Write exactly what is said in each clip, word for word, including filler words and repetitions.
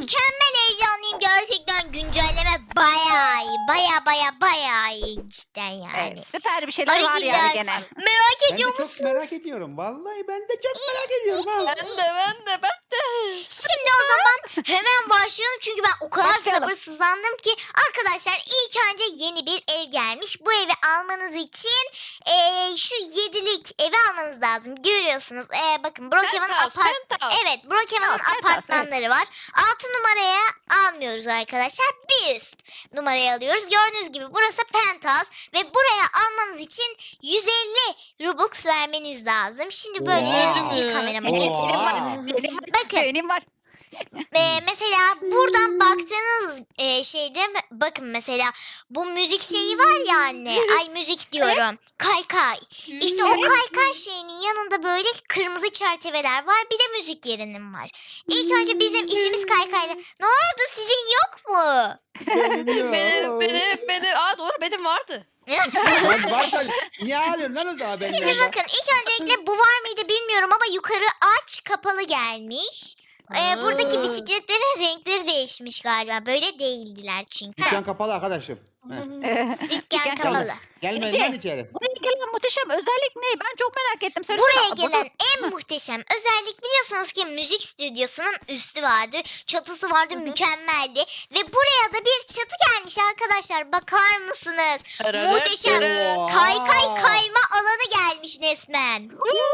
mükemmel heyecanlıyım gerçekten. Güncelleme bayağı iyi. Baya baya bayağı iyi cidden yani. Evet, süper bir şeyler var Hareketler. yani gene. Merak Ben de ediyor çok musunuz? merak ediyorum. Vallahi ben de çok merak ediyorum ha. Ben de ben de ben de. Şimdi o zaman hemen başlayalım çünkü ben o kadar Başlayalım. sabırsızlandım ki. Arkadaşlar ilk önce yeni bir ev gelmiş. Bu evi almanız için eee, şu yedilik evi almanız lazım. Görüyorsunuz. Eee, bakın Brookhaven Penthouse, apart penthouse. Evet, Brookhaven'ın Penthouse, penthouse, apartmanları var. altı numaraya almıyoruz arkadaşlar. Bir üst numaraya alıyoruz. Gördüğünüz gibi burası penthouse ve buraya almanız için yüz elli Robux vermeniz lazım. Şimdi böyle Oha. yaratıcı kamerama Oha. geçireyim. Benim var. Bakın. Benim var. Ee, mesela buradan baktığınız e, şeyde bakın mesela bu müzik şeyi var ya anne. Ay müzik diyorum. Kaykay. İşte o kaykay şeyinin yanında böyle kırmızı çerçeveler var. Bir de müzik yerinin var. İlk önce bizim işimiz kaykayla. Ne oldu sizin yok mu? Benim yok. Benim benim benim. Aa doğru benim vardı. Lan varsa niye ağlıyorsun lan o zaman benden? Şimdi bakın ilk öncelikle bu var mıydı bilmiyorum ama yukarı aç kapalı gelmiş. Ee, buradaki Aa. bisikletlerin renkleri değişmiş galiba. Böyle değildiler çünkü. Dükkan kapalı arkadaşım. Heh. Ee, Dükkan Gel. kapalı. Gelmeyin Ece. lan içeri. Buraya gelen muhteşem özellik ne? Ben çok merak ettim. Söylesene. Buraya Aa, gelen en muhteşem özellik biliyorsunuz ki müzik stüdyosunun üstü vardı. Çatısı vardı mükemmeldi. Ve buraya da bir çatı gelmiş arkadaşlar. Bakar mısınız? Muhteşem. Oha. Kaykay kayma alanı gelmiş resmen.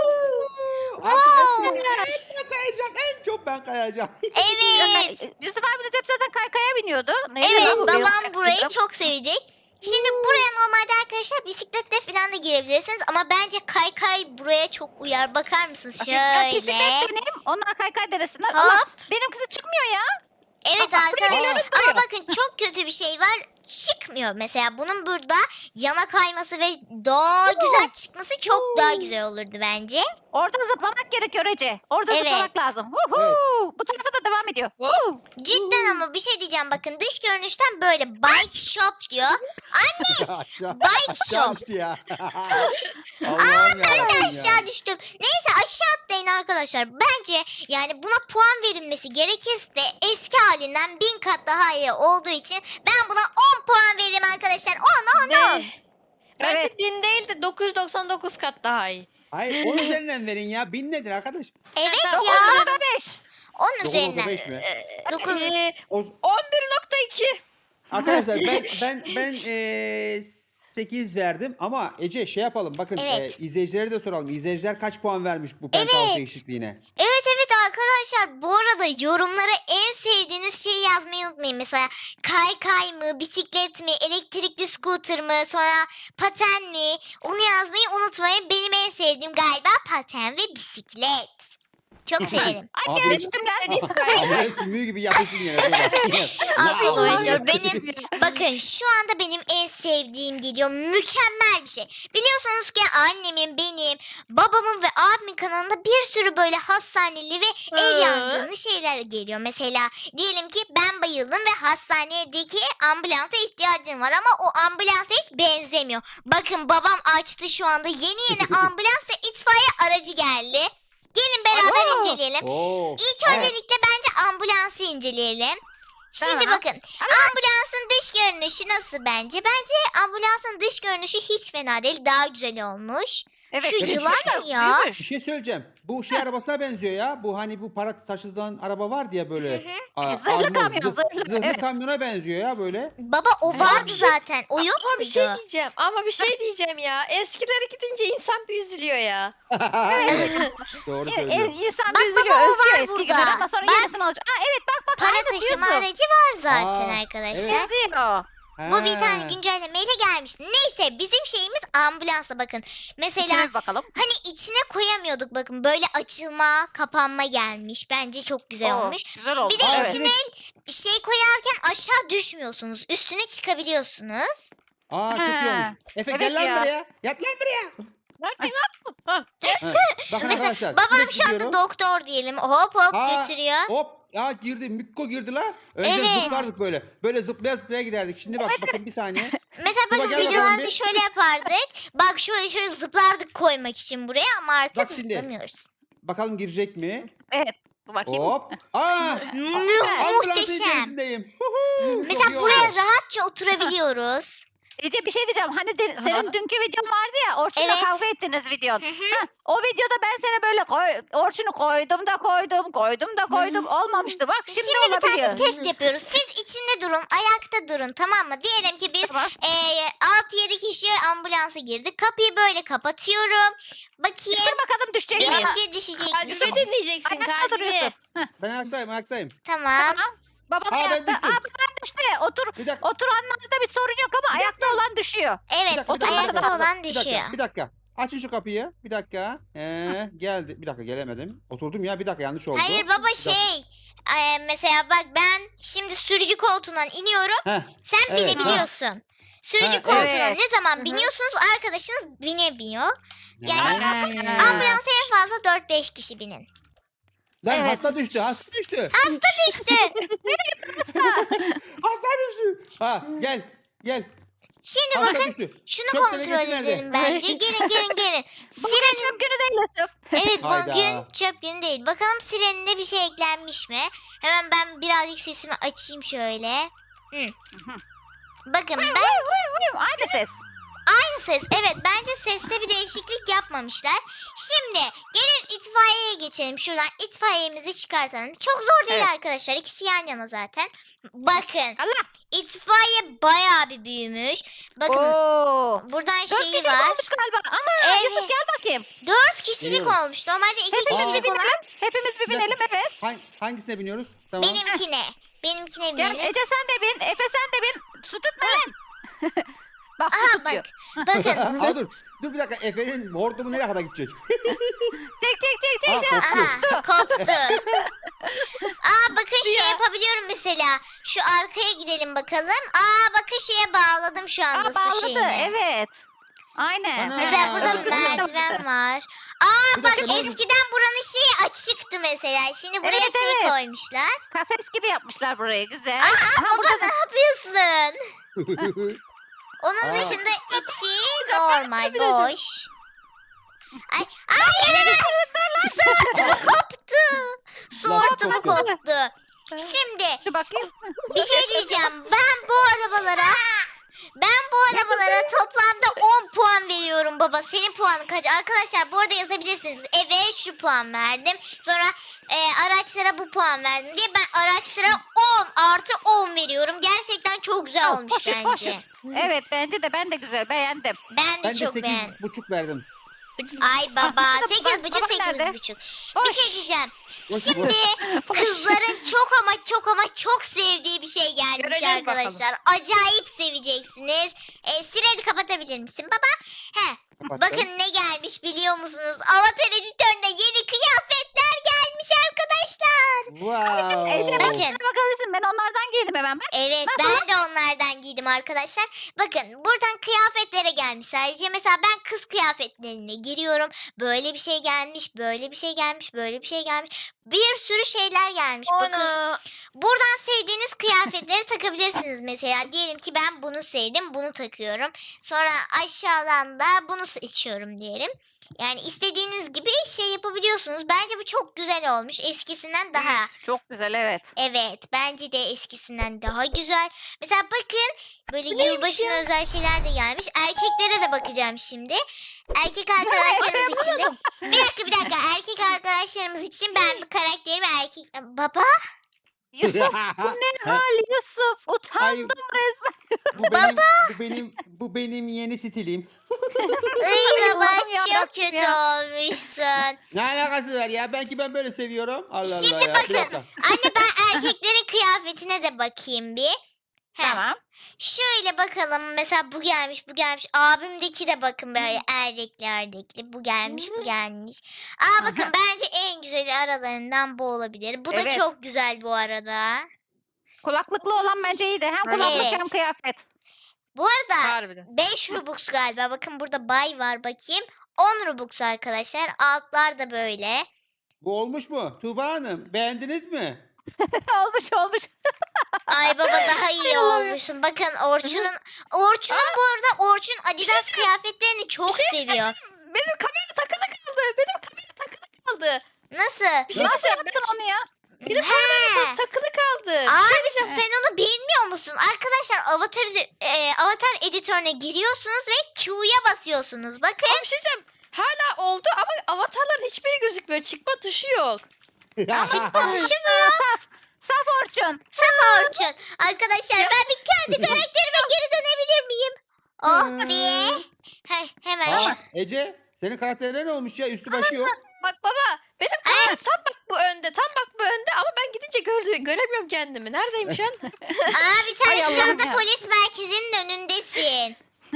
Artık hepsini en çok kayacağım. En çok ben kayacağım. Evet. Ee, Yusuf abiniz hep zaten kaykaya biniyordu. Neydi Evet lan bu? babam burayı çok sevecek. Şimdi buraya normalde arkadaşlar bisikletle falan da girebilirsiniz. Ama bence kaykay buraya çok uyar. Bakar mısınız? Ya bisiklet Şöyle. benim. Onlar kaykay denesinler. Ama Hop. benimkisi çıkmıyor ya. Evet Bak, arkadaşlar buraya ama bakın çok kötü bir şey var. Çıkmıyor mesela bunun burada yana kayması ve daha güzel çıkması çok daha güzel olurdu bence. Orada zıplamak gerekiyor Ece. Orada Evet. zıplamak lazım. Huhu. Evet. Bu tarafa da devam ediyor. Huhu. Cidden ama bir şey diyeceğim bakın dış görünüşten böyle bike shop diyor. Anne aşağı, Bike aşağı shop. düştü ya. Allah'ım ben de yarabbim ya. aşağı düştüm. Neyse aşağı atlayın arkadaşlar. Bence yani buna puan verilmesi gerekirse eski halinden bin kat daha iyi olduğu için ben buna on puan veririm arkadaşlar. on on on. Ne? Bence Evet. bin değil de dokuz yüz doksan dokuz kat daha iyi. Hayır onun üzerinden verin ya. Bin nedir arkadaş? Evet Tamam, ya. on Orada beş. Onun Dokuz nokta üzerinden. beş mi? Dokuz. Ee, O, on bir nokta iki. arkadaşlar ben ben ben eee sekiz verdim ama Ece şey yapalım bakın Evet. eee, izleyicilere de soralım. İzleyiciler kaç puan vermiş bu penthouse Evet. değişikliğine? Evet evet arkadaşlar bu arada yorumlara en sevdiğiniz şeyi yazmayı unutmayın. Mesela kaykay mı, bisiklet mi, elektrikli scooter mı, sonra paten mi? Onu yazmayı unutmayın. Benim en sevdiğim galiba paten ve bisiklet. Çok severim. Ay Abi- gene düştüm lan. Abi sümüğü gibi yapışsın yine. dur bak. Arkadaşlar benim bakın şu anda benim en sevdiğim geliyor. Mükemmel bir şey. Biliyorsunuz ki annemin, benim, babamın ve abimin kanalında bir sürü böyle hastaneli ve ev Hı. yangınlı şeyler geliyor. Mesela diyelim ki ben bayıldım ve hastanedeki ambulansa ihtiyacım var ama o ambulansa hiç benzemiyor. Bakın babam açtı şu anda yeni yeni ambulans ve itfaiye aracı geldi. Gelin beraber Aa. inceleyelim. Oo. İlk öncelikle bence ambulansı inceleyelim. Şimdi Tamam. bakın ambulansın dış görünüşü nasıl bence? Bence ambulansın dış görünüşü hiç fena değil. Daha güzel olmuş. Evet. Şu evet, yılan biraz mı ya? büyümüş. Bir şey söyleyeceğim. Bu şey arabasına benziyor ya. Bu hani bu para taşıdığın araba vardı ya böyle. Aa, Zırhlı armor, kamyon, zırh- zırhlı, zırhlı evet. kamyona benziyor ya böyle. Baba o Evet. vardı Bir şey- zaten. O yok Ama bir şey muydu? diyeceğim. Ama bir şey diyeceğim ya. Eskilere gidince insan bir üzülüyor ya. Evet. Doğru E, e, söylüyor. İnsan Bak bir üzülüyor. baba, o Özlüyor var eski burada. günler ama sonra Bak. yenisini alacak. Aa evet bak bak. Para aynısı taşıma Yusuf. aracı var zaten Aa, arkadaşlar. evet. Yazıyor. Bu bir tane Ha. güncellemeyle gelmiş. Neyse bizim şeyimiz ambulansa bakın. Mesela İçine bir bakalım. hani içine koyamıyorduk bakın. Böyle açılma, kapanma gelmiş. Bence çok güzel Oo, olmuş. Güzel oldu. Bir de Evet. içine bir şey koyarken aşağı düşmüyorsunuz. Üstüne çıkabiliyorsunuz. Aa çok iyi Ha. olmuş. Efe Evet gel lan ya. buraya. Yat lan buraya. Bakayım lan. Ha. Ha, Bakın Mesela arkadaşlar. babam direkt şu anda gidiyorum. doktor diyelim. Hop hop Aa, götürüyor. Hop. Aa girdi. Mikko girdi la. Önce Evet. zıplardık böyle. Böyle zıplaya zıplaya giderdik. Şimdi bak bakın bir saniye. Mesela Tuba, bakın gel bakalım videolarda bir. şöyle yapardık. Bak şöyle şöyle zıplardık koymak için buraya ama artık Bak şimdi. zıplamıyoruz. Bakalım girecek mi? Evet. Dur bakayım. Hop. Aa. Mü- ambulans içerisindeyim. Huhu, çok Mesela iyi oldu. buraya rahatça oturabiliyoruz. Ece bir şey diyeceğim. Hani de- senin dünkü videon vardı ya. Orçun'la Evet. kavga ettiniz videon. Hı hı. Heh, o videoda ben seni böyle koy, Orçun'u koydum da koydum, koydum da koydum. Olmamıştı. Bak şimdi, Şimdi bir olabiliyor. tane test yapıyoruz. Siz içinde durun, ayakta durun, tamam mı? Diyelim ki biz Tamam. altı yedi kişi ambulansa girdik. Kapıyı böyle kapatıyorum. Bakayım. Dur bakalım düşecek mi? Binince düşecek Kalbimi misin? dinleyeceksin Ayakta kalbimi. duruyorsun. Heh, Ben ayaktayım ayaktayım. Tamam. tamam. Babam Aa, ben ayakta. düştüm. Aa ben düştü. Otur. Bir dakika. Oturanlarda bir sorun yok ama ayakta olan düşüyor. Evet, Bir dakika, bir dakika, ayakta bir dakika. olan Bir düşüyor. dakika, bir dakika. Açın şu kapıyı. Bir dakika. Ee, geldi. Bir dakika gelemedim. Oturdum ya. Bir dakika yanlış oldu. Hayır baba Bir dakika. şey. e, mesela bak ben şimdi sürücü koltuğundan iniyorum. Heh, Sen Evet, binebiliyorsun. Sürücü Ha, koltuğuna evet. ne zaman Hı hı. biniyorsunuz arkadaşınız binemiyor. Yani Ha. ambulansa en fazla dört beş kişi binin. Lan Evet. hasta düştü. Hasta düştü. Hasta düştü. Hasta düştü. Ha gel. Gel. Şimdi Hasta bakın düştü. şunu Çöp kontrol tenekesi nerede? edelim bence. Gelin gelin gelin. Bugün Siren çöp günü değil Yusuf. evet Hayda. bugün çöp günü değil. Bakalım sirenine bir şey eklenmiş mi? Hemen ben birazcık sesimi açayım şöyle. Hı. Bakın ben Vuy, vuy, vuy. Aynı ses. aynı ses. Evet bence seste bir değişiklik yapmamışlar. Şimdi gelin itfaiyeye geçelim. Şuradan itfaiyemizi çıkartalım. Çok zor değil Evet. arkadaşlar. İkisi yan yana zaten. Bakın Allah. itfaiye bayağı bir büyümüş. Bakın Oo. buradan Dört şeyi kişilik var. olmuş galiba. Ana Evet. Yusuf gel bakayım. Dört kişilik Geliyorum. olmuş. Normalde iki Hepimiz kişilik bir olan binelim. Hepimiz bir Bir dakika. binelim evet. Hang- hangisine biniyoruz? Tamam. benimkine. Benimkine Gel binelim. Ece sen de bin. Efe sen de bin. Su tutma lan. Bak su Aha tutuyor. bak. Bakın. Aa, dur. Dur bir dakika. Efe'nin hortumu nereye kadar gidecek? Çek çek çek Aa, çek. koptu. Aha koptu. Aa bakın şey Ya. yapabiliyorum mesela. Şu arkaya gidelim bakalım. Aa bakın şeye bağladım şu anda Aa su bağladı şeyine. evet. Aynen. Ana. Mesela Aa, burada evet. merdiven var. Aa Bir bak dakika, ne oldu? eskiden buranın şeyi açıktı mesela. Şimdi buraya Evet, şey evet. koymuşlar. Kafes gibi yapmışlar burayı güzel. Aa Aha, baba burada ne yapıyorsun? Onun Aa. dışında içi Hocam, ben normal yapabilirim. boş. Ay ay su hortumu koptu. Su Lan hortumu koptu. koptu. Şimdi şu bakayım. bir şey diyeceğim. Ben bu arabalara ben bu arabalara toplamda on puan veriyorum baba. Senin puanın kaç? Arkadaşlar bu arada yazabilirsiniz. Eve şu puan verdim. Sonra e, araçlara bu puan verdim diye ben araçlara on artı on veriyorum. Gerçekten çok güzel Al, olmuş poşet, bence. poşet. Evet bence de ben de güzel beğendim. Ben de Ben de çok beğendim. sekiz buçuk verdim. Ay baba Ah, sekiz buçuk babam sekiz nerede? buçuk. Boş. Bir şey diyeceğim. Boş, Şimdi kızların çok ama çok ama çok sevdiği bir şey gelmiş Göreceğiz arkadaşlar. Acayip seveceksiniz. E, sireni kapatabilir misin baba? He. Kapattım. Bakın ne gelmiş biliyor musunuz? Avatar editörüne yeni kıyafetler gelmiş arkadaşlar. Wow. Ece Bakın. ben bakabilirsin ben onlardan giydim hemen bak. Evet Nasıl? ben de onlardan giydim arkadaşlar. Bakın buradan kıyafetlere gelmiş sadece. Mesela ben kız kıyafetlerine giriyorum. Böyle bir şey gelmiş, böyle bir şey gelmiş, böyle bir şey gelmiş. Bir sürü şeyler gelmiş. Bakın Onu. buradan sevdiğiniz kıyafetleri takabilirsiniz mesela. Diyelim ki ben bunu sevdim, bunu takıyorum. Sonra aşağıdan da bunu seçiyorum diyelim. Yani istediğiniz gibi şey yapabiliyorsunuz. Bence bu çok güzel olmuş. Eskisinden daha. Çok güzel evet. Evet, bence de eskisinden daha güzel. Mesela bakın böyle Bu neymiş yılbaşına ya? özel şeyler de gelmiş. Erkeklere de bakacağım şimdi. Erkek arkadaşlarımız için de. Bir dakika bir dakika. Erkek arkadaşlarımız için ben bir karakterimi erkek... Baba? Yusuf bu ne hal Yusuf? Utandım resmen. Bu benim, bu benim, bu benim yeni stilim. Ay baba Allah'ım çok yarabbim kötü ya. olmuşsun. Ne alakası var ya? Belki ben böyle seviyorum. Allah Şimdi Allah ya. Bir bakın. dakika. Anne ben erkeklerin kıyafetine de bakayım bir. Heh. Tamam. Şöyle bakalım mesela bu gelmiş bu gelmiş abimdeki de bakın böyle erdekli erdekli bu gelmiş bu gelmiş. Aa bakın Aha. bence en güzeli aralarından bu olabilir. Bu da Evet. çok güzel bu arada. Kulaklıklı olan bence iyiydi. Hem kulaklık Evet. hem kıyafet. Bu arada Harbiden. beş Robux galiba bakın burada bay var bakayım. on Robux arkadaşlar altlar da böyle. Bu olmuş mu? Tuğba Hanım beğendiniz mi? olmuş olmuş. Ay baba daha iyi olmuşsun. Bakın Orçun'un Orçun'un bu arada Orçun Adidas kıyafetlerini çok seviyor. Benim kameram takılı kaldı. Benim kameram takılı kaldı. Nasıl? Bir şey Nasıl diyeceğim. yaptın onu ya? Benim He. kameram takılı kaldı. vardı. Abi sen onu bilmiyor musun? Arkadaşlar avatar e, avatar editörüne giriyorsunuz ve Q'ya basıyorsunuz. Bakın. Ama bir şey diyeceğim. Hala oldu ama avatarların hiçbiri gözükmüyor. Çıkma tuşu yok. Şu mu? Saf. Saf Orçun. Saf Orçun. Arkadaşlar ben bir kendi karakterime geri dönebilir miyim? Oh be. Heh, hemen. Aa, Ece senin karakterine ne olmuş ya? Üstü başı yok. Bak baba benim kameram tam bak bu önde. Tam bak bu önde ama ben gidince gördü, göremiyorum kendimi. Neredeyim şu an? Abi sen Ay şu Allah'ım anda ya. polis merkezinin önündesin.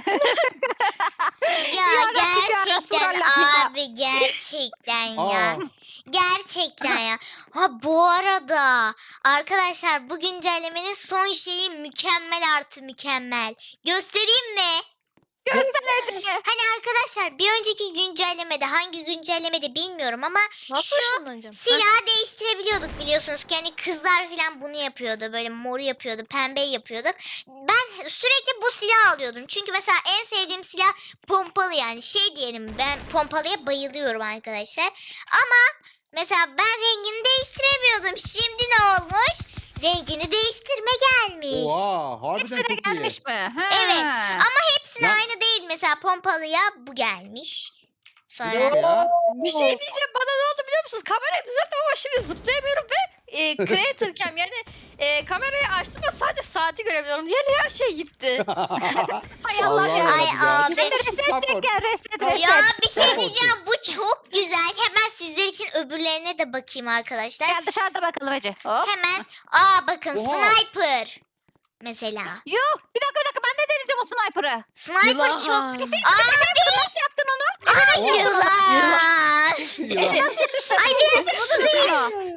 Ya Ya Rabbi, ya gerçekten Resulallah ya. abi gerçekten ya. Aa, Gerçekten ya. Ha bu arada arkadaşlar bu güncellemenin son şeyi mükemmel artı mükemmel. Göstereyim mi? Göster Ece. Hani arkadaşlar bir önceki güncellemede hangi güncellemede bilmiyorum ama Nasıl şu ışınlanacağım? silahı değiştirebiliyorduk biliyorsunuz ki hani kızlar falan bunu yapıyordu böyle mor yapıyordu pembe yapıyorduk. Ben sürekli bu silahı alıyordum çünkü mesela en sevdiğim silah pompalı yani şey diyelim ben pompalıya bayılıyorum arkadaşlar ama mesela ben rengini değiştiremiyordum şimdi ne olmuş rengini değiştirme gelmiş. oha harbiden Hepsine çok iyi. gelmiş mi? Ha. Evet ama hepsine Ya- aynı değil mesela pompalıya bu gelmiş. Bir Sonra dakika ya. Bir şey diyeceğim bana ne oldu biliyor musunuz? Kamerayı düzelttim ama şimdi zıplayamıyorum ve e, creator cam yani e, kamerayı açtım ve sadece saati görebiliyorum. Diğer her şey gitti. Hay Allah ya. Ay abi. Reset Support. çek gel reset reset. ya bir şey Support. diyeceğim bu çok güzel. Hemen sizler için öbürlerine de bakayım arkadaşlar. Gel dışarıda bakalım Ece. Hop. Hemen aa bakın Oha. sniper. Mesela. Yuh bir dakika bir dakika ben de deneyeceğim o sniper'ı. Sniper Yılan. çok... Abi. Abi Nasıl yaptın onu? ay Oha. yılan. Ya. Ay bir dakika bunu değil.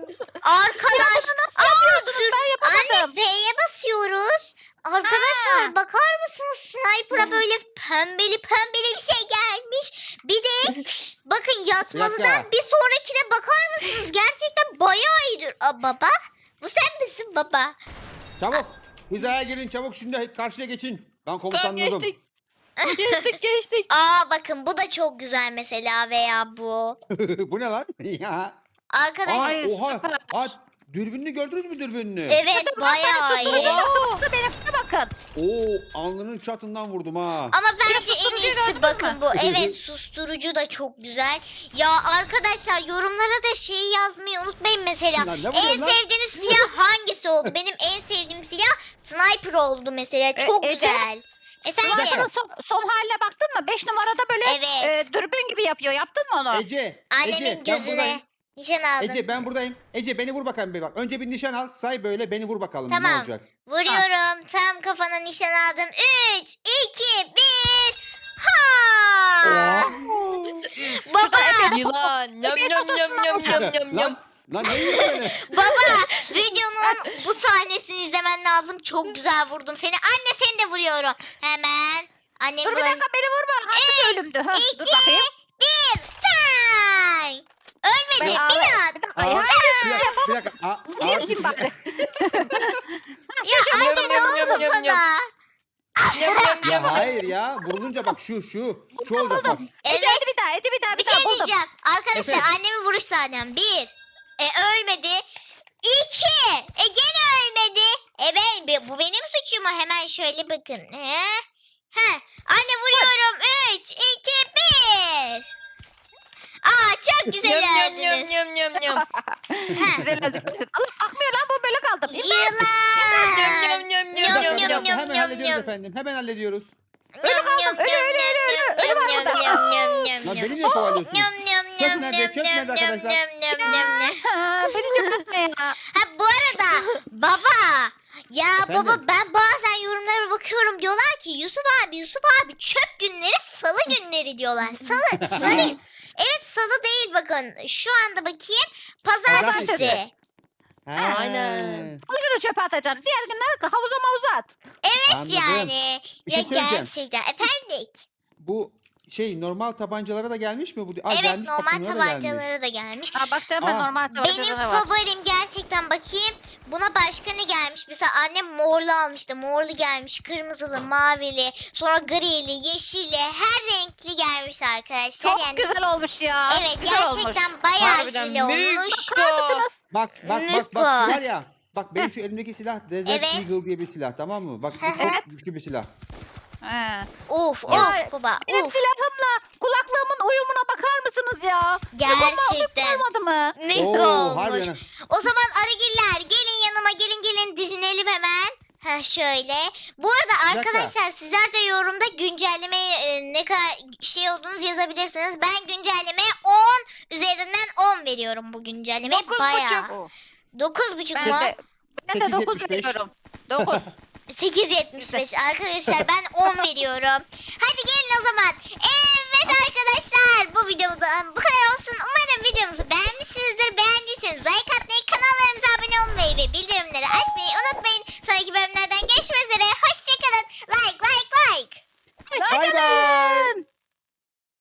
Arkadaş. Aa dur. Ben Anne yapamadım. F'ye basıyoruz. Arkadaşlar Ha. bakar mısınız sniper'a böyle pembeli pembeli bir şey gelmiş. Bir de bakın yatmalıdan dakika. bir sonrakine bakar mısınız? Gerçekten bayağı iyidir. Aa, baba bu sen misin baba? Çabuk. Hizaya girin çabuk şimdi karşıya geçin. Ben Tamam komutanladım. geçtik. Geçtik geçtik. Aa bakın bu da çok güzel mesela veya bu. Bu ne lan? Ya. Arkadaşlar Ay, Oha. süper. Aa, dürbününü gördünüz mü dürbününü? evet bayağı iyi. Oo. Benimkine bakın. Oo alnının çatından vurdum ha. Ama bence en susturucuyu gördün iyisi mü? bakın bu. Evet susturucu da çok güzel. Ya arkadaşlar yorumlara da şeyi yazmayı unutmayın mesela. Lan ne En vuruyorsun lan? sevdiğiniz silah hangisi oldu? Benim en sevdiğim silah sniper oldu mesela. Çok E, Ece? güzel. Efendim? Sniper'ın son, son haline baktın mı? Beş numarada böyle Evet. e, dürbün gibi yapıyor. Yaptın mı onu? Ece. Annemin Ece, ben buradayım. gözüne nişan aldım. Ece ben buradayım. Ece beni vur bakalım bir bak. Önce bir nişan al. Say böyle beni vur bakalım. Ne Tamam. olacak? Vuruyorum. Tam kafana nişan aldım. üç, iki, bir. Ha! Baba, Yılan. Yam yam yam yam yam yam yam. Lan, lan ne yiyorsun beni? baba videonun bu sahnesini izlemen lazım. Çok güzel vurdum seni. Anne seni de vuruyorum. Hemen. Annem Dur bir bulan- dakika beni vurma. Hangisi ölümdü? Ha, dur İki, bakayım. bir, bang! Ölmedi. Ben- Bir Ay, daha. bir dakika. Aa, Hayır, bir dakika. Bir dakika. Aa, aa, yapayım bari. Ya anne Yam, ne yam, oldu yam, yam, sana? yam. Yam yam Ya yam. hayır ya. Vurulunca bak şu şu. Şu olacak bak. Ece Evet. hadi bir daha. Ece bir daha. Bir Bir daha şey buldum. diyeceğim. Arkadaşlar Efendim? annemin vuruş sahnem. Bir. E ölmedi. İki. E gene ölmedi. E ben, be- bu benim suçum mu? Hemen şöyle bakın. He? He. Anne vuruyorum. Üç, iki, bir. Aa çok güzel Yam yam yam öldünüz. yam yam yam. Ha. Güzel öldük. Allah akmıyor lan bu böyle kaldım. Yılan. Yam yam yam Bir yam dakika, yam bir yum, yam. dakika. yum, Hemen yum, hallediyoruz yum. efendim. Hemen hallediyoruz. Yum, yum, ölü, yum, ölü, yum, ölü, yum, ölü yum, var yum, burada. yum, yum, yum, Lan yum. beni niye kovalıyorsun? Yum, yum, Çöp yum, nerede? yum, Çöp yum, nerede yum, arkadaşlar? yum, yum, yum, yum. Ha, beni çöpürtme ya. Ha bu arada baba ya Efendim? baba ben bazen yorumlara bakıyorum diyorlar ki Yusuf abi Yusuf abi çöp günleri salı günleri diyorlar. Salı salı. Evet salı değil bakın şu anda bakayım pazartesi. Pazartesi. Ha. Aynen. Bu günü çöpe atacaksın. Diğer günler havuza mavuza at. Evet Anladım. yani Bir şey ya söyleyeceğim. gerçekten efendim. Bu şey normal tabancalara da gelmiş mi bu? Aa, Evet gelmiş, bak normal bunlara da gelmiş. tabancalara da gelmiş. Ha, bakacağım ben Aa. normal Benim tabancalara var. favorim gerçekten bakayım. Buna başka ne gelmiş? Mesela annem morlu almıştı. Morlu gelmiş, kırmızılı, mavili, sonra grili, yeşilli, her renkli gelmiş arkadaşlar. Çok yani güzel olmuş ya. evet Güzel olmuş. gerçekten bayağı Harbiden güzel büyük. olmuş. Bakar mısınız? Bak bak bak Miko. bak var ya. Bak benim şu elimdeki silah Desert Evet. Eagle diye bir silah, tamam mı? Bak bu çok Evet. güçlü bir silah. He. Of Ya, of baba Benim of. silahımla kulaklığımın uyumuna bakar mısınız ya? Gerçekten. Olmadı mı? Ne Oo, olmuş. harbiden. O zaman arıgiller gelin yanıma gelin gelin dizinelim hemen. Ha şöyle. Bu arada dakika. arkadaşlar sizler de yorumda güncelleme e, ne kadar şey olduğunuz yazabilirsiniz. Ben güncellemeye on üzerinden on veriyorum bu güncellemeye. Dokuz Bayağı. buçuk. Oh. dokuz buçuk Ben mu? de, ben de sekiz dokuz yetmiş beş. veriyorum. dokuz. sekiz yetmiş beş arkadaşlar ben on veriyorum. Hadi gelin o zaman. Evet arkadaşlar bu videodan bu kadar olsun. Umarım videomuzu beğenmişsinizdir. Beğendiyseniz like atmayı, kanallarımıza abone olmayı ve bildirimleri açmayı unutmayın. Sonraki bölümlerden görüşmek üzere. Hoşçakalın. Like like like. Bay bay.